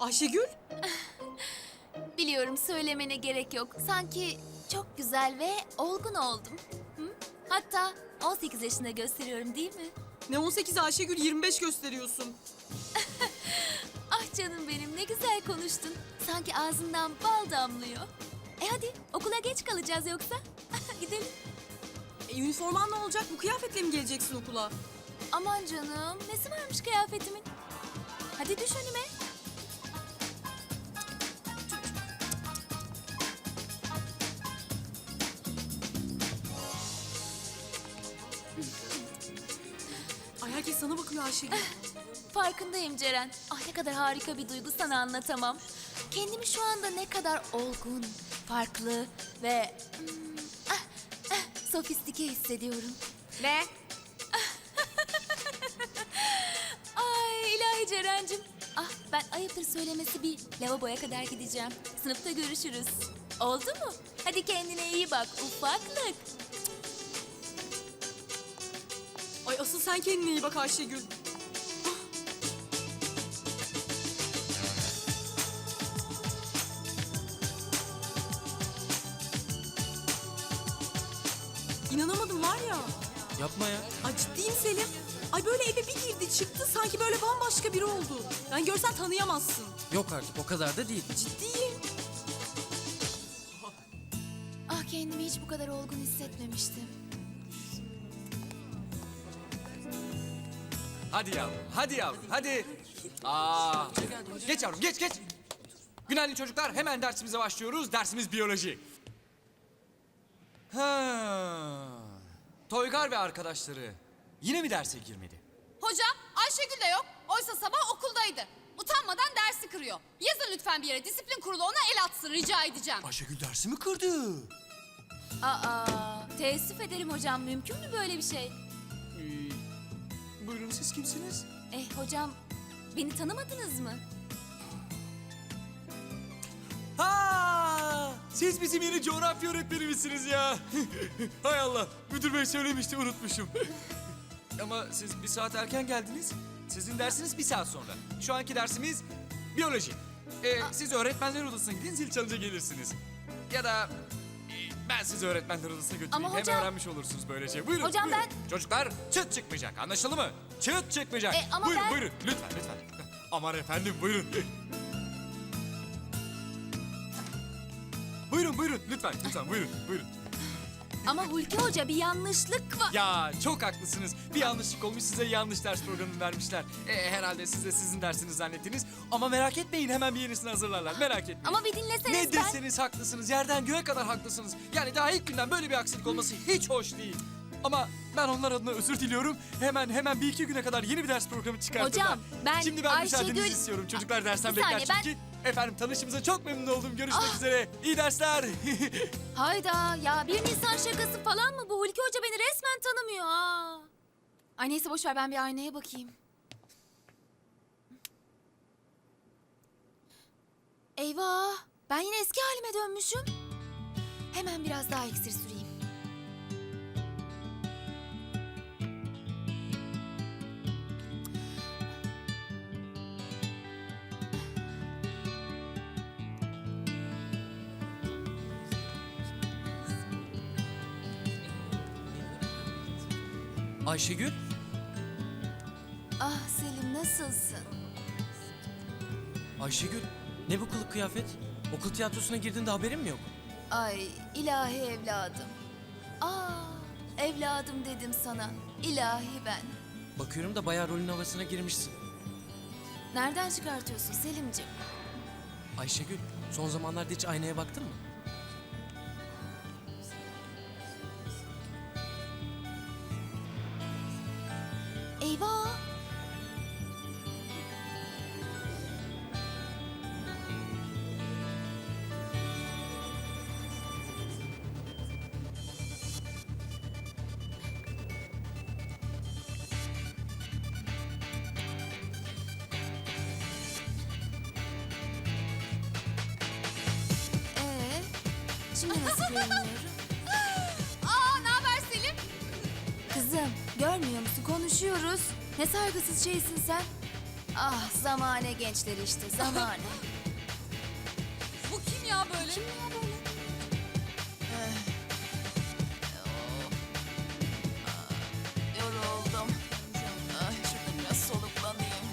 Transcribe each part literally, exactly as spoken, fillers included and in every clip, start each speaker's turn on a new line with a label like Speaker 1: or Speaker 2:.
Speaker 1: Ayşegül?
Speaker 2: Biliyorum, söylemene gerek yok. Sanki çok güzel ve olgun oldum. Hı? Hatta on sekiz yaşında gösteriyorum değil mi?
Speaker 1: Ne on sekiz Ayşegül, yirmi beş gösteriyorsun.
Speaker 2: Ah canım benim, ne güzel konuştun. Sanki ağzından bal damlıyor. E hadi, okula geç kalacağız yoksa. Gidelim.
Speaker 1: E, üniforman ne olacak? Bu kıyafetle mi geleceksin okula?
Speaker 2: Aman canım, nesi varmış kıyafetimin? Hadi düş önüme.
Speaker 1: Ay, herkes sana bakıyor Ayşegül.
Speaker 2: Farkındayım Ceren. Ah, ne kadar harika bir duygu, sana anlatamam. Kendimi şu anda ne kadar olgun, farklı ve hmm, ah, ah, sofistike hissediyorum.
Speaker 3: Ne?
Speaker 2: Ay ilahi Ceren'cim. Ah, ben ayıptır söylemesi bir lavaboya kadar gideceğim. Sınıfta görüşürüz. Oldu mu? Hadi kendine iyi bak ufaklık.
Speaker 1: Ay, asıl sen kendine iyi bak Ayşegül. İnanamadım var ya.
Speaker 4: Yapma ya.
Speaker 1: Ay, ciddiyim Selim. Ay, böyle eve bir girdi çıktı, sanki böyle bambaşka biri oldu. Yani görsen tanıyamazsın.
Speaker 4: Yok artık, o kadar da değil.
Speaker 1: Ciddiyim.
Speaker 2: Ah, kendimi hiç bu kadar olgun hissetmemiştim.
Speaker 5: Hadi yavrum, hadi yavrum, hadi. Aa, geç yavrum, geç, geç. Günaydın çocuklar, hemen dersimize başlıyoruz. Dersimiz biyoloji. Ha. Toygar ve arkadaşları yine mi derse girmedi?
Speaker 3: Hocam Ayşegül de yok. Oysa sabah okuldaydı. Utanmadan dersi kırıyor. Yazın lütfen bir yere, disiplin kurulu ona el atsın, rica edeceğim.
Speaker 5: Ayşegül dersi mi kırdı?
Speaker 2: Aa, teessüf ederim hocam. Mümkün mü böyle bir şey?
Speaker 5: Ee, buyurun, siz kimsiniz?
Speaker 2: Eh hocam, beni tanımadınız mı?
Speaker 5: Ha! Siz bizim yeni coğrafya öğretmenimizsiniz ya. Hay Allah, müdür bey söylemişti, unutmuşum. Ama siz bir saat erken geldiniz. Sizin dersiniz bir saat sonra. Şu anki dersimiz biyoloji. Ee, siz öğretmenler odasına gidin, zil çalınca gelirsiniz. Ya da e, ben sizi öğretmenler odasına götüreyim.
Speaker 2: Ama
Speaker 5: Hem
Speaker 2: hocam-
Speaker 5: öğrenmiş olursunuz böylece. Buyurun.
Speaker 2: Hocam
Speaker 5: buyurun.
Speaker 2: ben-
Speaker 5: Çocuklar, çıt çıkmayacak, anlaşıldı mı? Çıt çıkmayacak.
Speaker 2: E, ama
Speaker 5: buyurun
Speaker 2: ben-
Speaker 5: buyurun, lütfen lütfen. Aman efendim, buyurun. Buyurun buyurun, lütfen lütfen, buyurun buyurun.
Speaker 2: Ama Hulki Hoca, bir yanlışlık var.
Speaker 5: Ya çok haklısınız. Bir yanlışlık olmuş, size yanlış ders programı vermişler. E, herhalde siz de sizin dersiniz zannettiniz. Ama merak etmeyin, hemen bir yenisini hazırlarlar. Merak etmeyin.
Speaker 2: Ama bir dinleseniz
Speaker 5: Ne
Speaker 2: ben...
Speaker 5: deseniz haklısınız. Yerden göğe kadar haklısınız. Yani daha ilk günden böyle bir aksilik olması hiç hoş değil. Ama ben onlar adına özür diliyorum. Hemen hemen bir iki güne kadar yeni bir ders programı çıkartırlar.
Speaker 2: Hocam, ben
Speaker 5: Şimdi ben
Speaker 2: Ayşegül-
Speaker 5: müsaadenizi istiyorum. Çocuklar dersten
Speaker 2: Bir
Speaker 5: bekler
Speaker 2: saniye, ben-
Speaker 5: çünkü. Efendim, tanışımıza çok memnun oldum. Görüşmek
Speaker 2: Ah!
Speaker 5: üzere. İyi dersler.
Speaker 2: Hayda ya, bir Nisan şakası falan mı bu? Hulki Hoca beni resmen tanımıyor ha. Ay neyse, boş ver, ben bir aynaya bakayım. Eyvah, ben yine eski halime dönmüşüm. Hemen biraz daha iksir süreyim.
Speaker 4: Ayşegül,
Speaker 2: Ah Selim, nasılsın?
Speaker 4: Ayşegül ne bu kılık kıyafet? Okul tiyatrosuna girdiğinde haberin mi yok?
Speaker 2: Ay ilahi evladım. Aa, evladım dedim sana. İlahi ben.
Speaker 4: Bakıyorum da bayağı rolün havasına girmişsin.
Speaker 2: Nereden çıkartıyorsun Selimciğim?
Speaker 4: Ayşegül, son zamanlarda hiç aynaya baktın mı?
Speaker 2: Eyvah! Ee, şimdi nasıl görünüyorum?
Speaker 3: Aa, ne haber Selim?
Speaker 2: Kızım, görmüyor musun? Konuşuyoruz. Ne saygısız şeysin sen. Ah zamane gençleri işte zamane.
Speaker 3: Bu kim ya böyle?
Speaker 2: Yoruldum. Ay şurada biraz soluklanayım.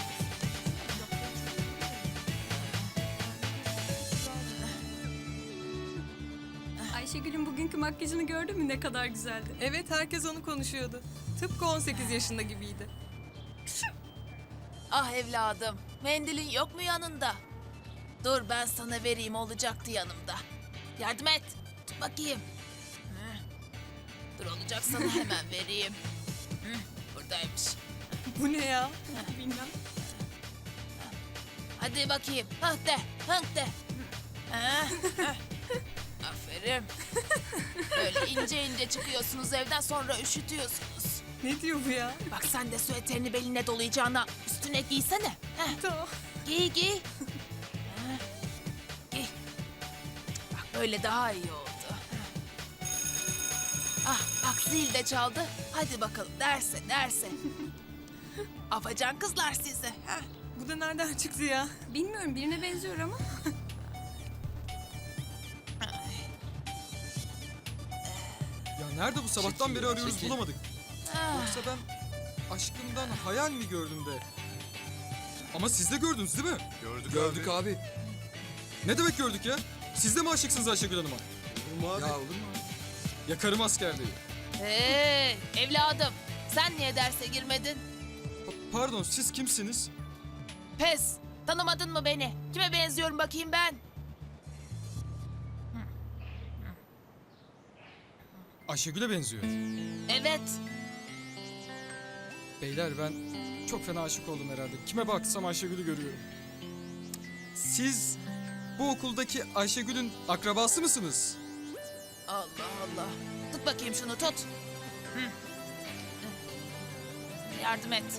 Speaker 1: Ayşegül'ün bugünkü makyajını gördün mü ne kadar güzeldi.
Speaker 6: Evet, herkes onu konuşuyordu. Tıpkı on sekiz yaşında gibiydi.
Speaker 2: Ah evladım, mendilin yok mu yanında? Dur ben sana vereyim, olacaktı yanımda. Yardım et, tut bakayım. Hı. Dur olacak sana hemen vereyim. Hı, buradaymış.
Speaker 6: Bu ne ya?
Speaker 1: Bilmem.
Speaker 2: Hadi bakayım, hıh de, hıh de. Hı, hıh. Aferin. Böyle ince ince çıkıyorsunuz evden, sonra üşütüyorsunuz.
Speaker 6: Ne diyor bu ya?
Speaker 2: Bak sen de süeterini beline dolayacağına üstüne giysene. Heh.
Speaker 6: Tamam.
Speaker 2: Giy giy. Ha, giy. Bak böyle daha iyi oldu. Ah bak zil de çaldı. Hadi bakalım derse derse. Afacan kızlar sizi. Ha.
Speaker 6: Bu da nereden çıktı ya?
Speaker 1: Bilmiyorum, birine benziyor ama.
Speaker 5: Ya nerede bu sabahtan beri arıyoruz
Speaker 4: Çekil.
Speaker 5: bulamadık.
Speaker 2: Ah,
Speaker 5: Yoksa ben aşkımdan hayal mi gördüm de? Ama siz de gördünüz değil mi?
Speaker 7: Gördük,
Speaker 5: Gördük
Speaker 7: abi.
Speaker 5: abi. Ne demek gördük ya? Siz de mi aşıksınız Ayşegül Hanım'a?
Speaker 7: Olur mu abi?
Speaker 5: Ya olur mu? Yakarım askerliği.
Speaker 2: Hey evladım, sen niye derse girmedin?
Speaker 5: Pa- pardon siz kimsiniz?
Speaker 2: Pes, tanımadın mı beni? Kime benziyorum bakayım ben?
Speaker 5: Ayşegül'e benziyor.
Speaker 2: Evet.
Speaker 5: Beyler ben çok fena aşık oldum herhalde. Kime baksam Ayşegül'ü görüyorum. Siz bu okuldaki Ayşegül'ün akrabası mısınız?
Speaker 2: Allah Allah. Tut bakayım şunu tut. Hı. Yardım et.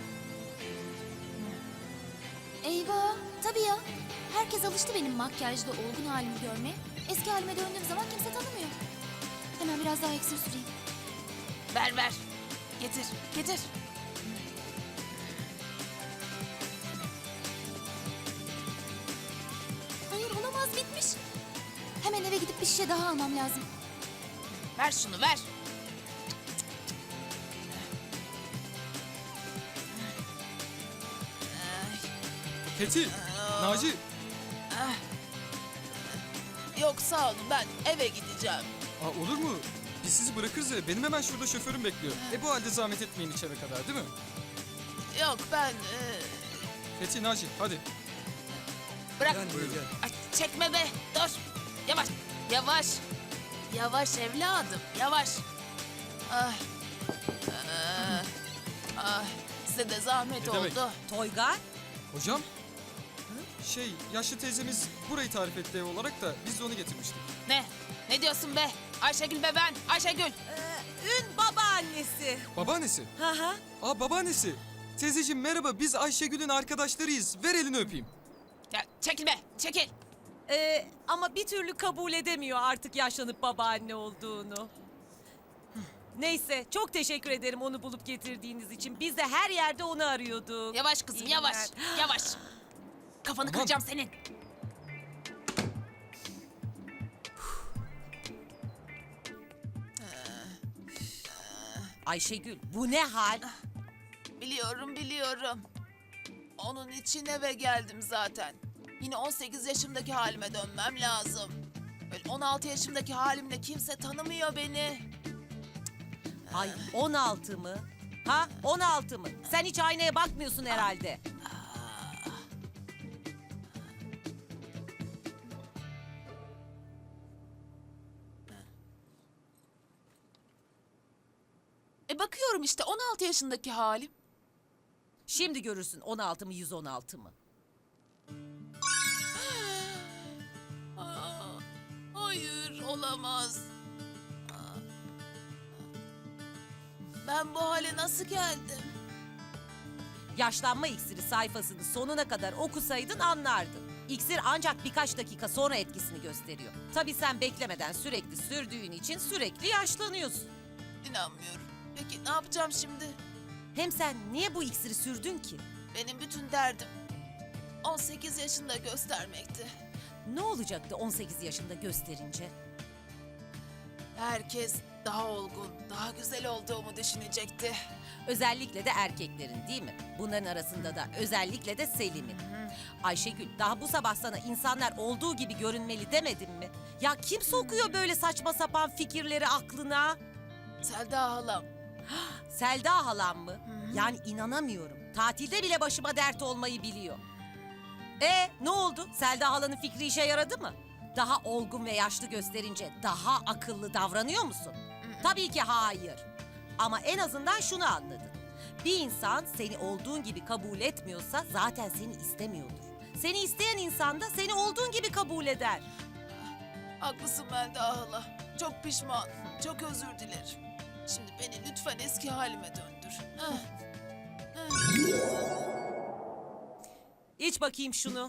Speaker 8: Eyvah, tabii ya. Herkes alıştı benim makyajlı olgun halimi görmeye. Eski halime döndüğüm zaman kimse tanımıyor. Hemen biraz daha iksir süreyim.
Speaker 2: Ver ver. Getir, getir.
Speaker 8: Hayır, olamaz, bitmiş. Hemen eve gidip bir şişe daha almam lazım.
Speaker 2: Ver şunu ver.
Speaker 5: Fethi, Naci.
Speaker 2: Yok sağ olun, ben eve gideceğim.
Speaker 5: Aa, olur mu? Biz sizi bırakırız ya. Benim hemen şurada şoförüm bekliyor. E bu halde zahmet etmeyin içeri kadar değil mi?
Speaker 2: Yok ben... e,
Speaker 5: Fethi, Naci hadi.
Speaker 2: bırak.
Speaker 7: Gel buraya gel.
Speaker 2: Ay, çekme be, dur. Yavaş, yavaş. Yavaş evladım, yavaş. Ay. Ay. Ay. Size de zahmet
Speaker 5: Ne demek?
Speaker 2: oldu.
Speaker 6: Toygar?
Speaker 5: Hocam? Şey, yaşlı teyzemiz burayı tarif etti ev olarak da biz de onu getirmiştik.
Speaker 2: Ne? Ne diyorsun be? Ayşegül be ben, Ayşegül.
Speaker 6: Ün babaannesi.
Speaker 5: Babaannesi.
Speaker 6: Hı hı.
Speaker 5: Aa babaannesi. Teyzeciğim merhaba biz Ayşegül'ün arkadaşlarıyız. Ver elini öpeyim.
Speaker 2: Ya, çekil be, çekil.
Speaker 6: Ee, ama bir türlü kabul edemiyor artık yaşlanıp babaanne olduğunu. Neyse, çok teşekkür ederim onu bulup getirdiğiniz için. Biz de her yerde onu arıyorduk.
Speaker 2: Yavaş kızım,
Speaker 6: İyi
Speaker 2: yavaş,
Speaker 6: günler.
Speaker 2: yavaş. Kafanı
Speaker 5: Tamam.
Speaker 2: kıracağım senin.
Speaker 6: Ayşegül, bu ne hal?
Speaker 2: Biliyorum, biliyorum. Onun için eve geldim zaten. Yine on sekiz yaşımdaki halime dönmem lazım. Böyle on altı yaşımdaki halimle kimse tanımıyor beni.
Speaker 6: Ay, on altı mı? Ha, on altı mı? Sen hiç aynaya bakmıyorsun herhalde.
Speaker 2: E bakıyorum işte on altı yaşındaki halim.
Speaker 6: Şimdi görürsün on altı mı yüz on altı mı?
Speaker 2: Aa, hayır, olamaz. Aa. Ben bu hale nasıl geldim?
Speaker 6: Yaşlanma iksiri sayfasını sonuna kadar okusaydın anlardın. İksir ancak birkaç dakika sonra etkisini gösteriyor. Tabii sen beklemeden sürekli sürdüğün için sürekli yaşlanıyorsun.
Speaker 2: İnanmıyorum. Peki ne yapacağım şimdi?
Speaker 6: Hem sen niye bu iksiri sürdün ki?
Speaker 7: Benim bütün derdim on sekiz yaşında göstermekti.
Speaker 6: Ne olacaktı on sekiz yaşında gösterince?
Speaker 7: Herkes daha olgun, daha güzel olduğumu düşünecekti.
Speaker 6: Özellikle de erkeklerin değil mi? Bunların arasında da özellikle de Selim'in. Ayşegül, daha bu sabah sana insanlar olduğu gibi görünmeli demedim mi? Ya kim sokuyor böyle saçma sapan fikirleri aklına?
Speaker 7: Selda halam,
Speaker 6: Selda halam mı? Yani inanamıyorum. Tatilde bile başıma dert olmayı biliyor. E ne oldu? Selda halanın fikri işe yaradı mı? Daha olgun ve yaşlı gösterince daha akıllı davranıyor musun? Tabii ki hayır. Ama en azından şunu anladın. Bir insan seni olduğun gibi kabul etmiyorsa zaten seni istemiyordur. Seni isteyen insan da seni olduğun gibi kabul eder.
Speaker 7: haklısın Melda hala. Çok pişman, çok özür dilerim. Şimdi beni lütfen eski halime döndür. Heh.
Speaker 6: İç bakayım şunu.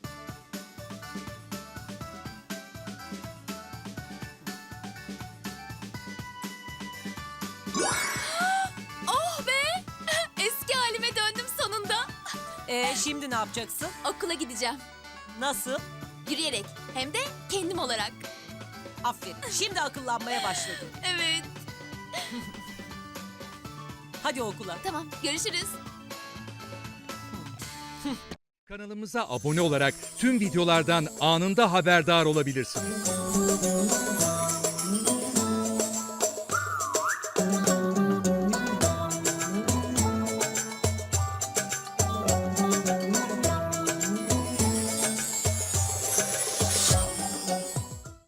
Speaker 2: Oh be! Eski halime döndüm sonunda.
Speaker 6: E şimdi ne yapacaksın?
Speaker 2: Okula gideceğim.
Speaker 6: Nasıl?
Speaker 2: Yürüyerek. Hem de kendim olarak.
Speaker 6: Aferin. Şimdi akıllanmaya başladın.
Speaker 2: Evet.
Speaker 6: Hadi okula.
Speaker 2: Tamam, görüşürüz.
Speaker 9: Kanalımıza abone olarak tüm videolardan anında haberdar olabilirsiniz.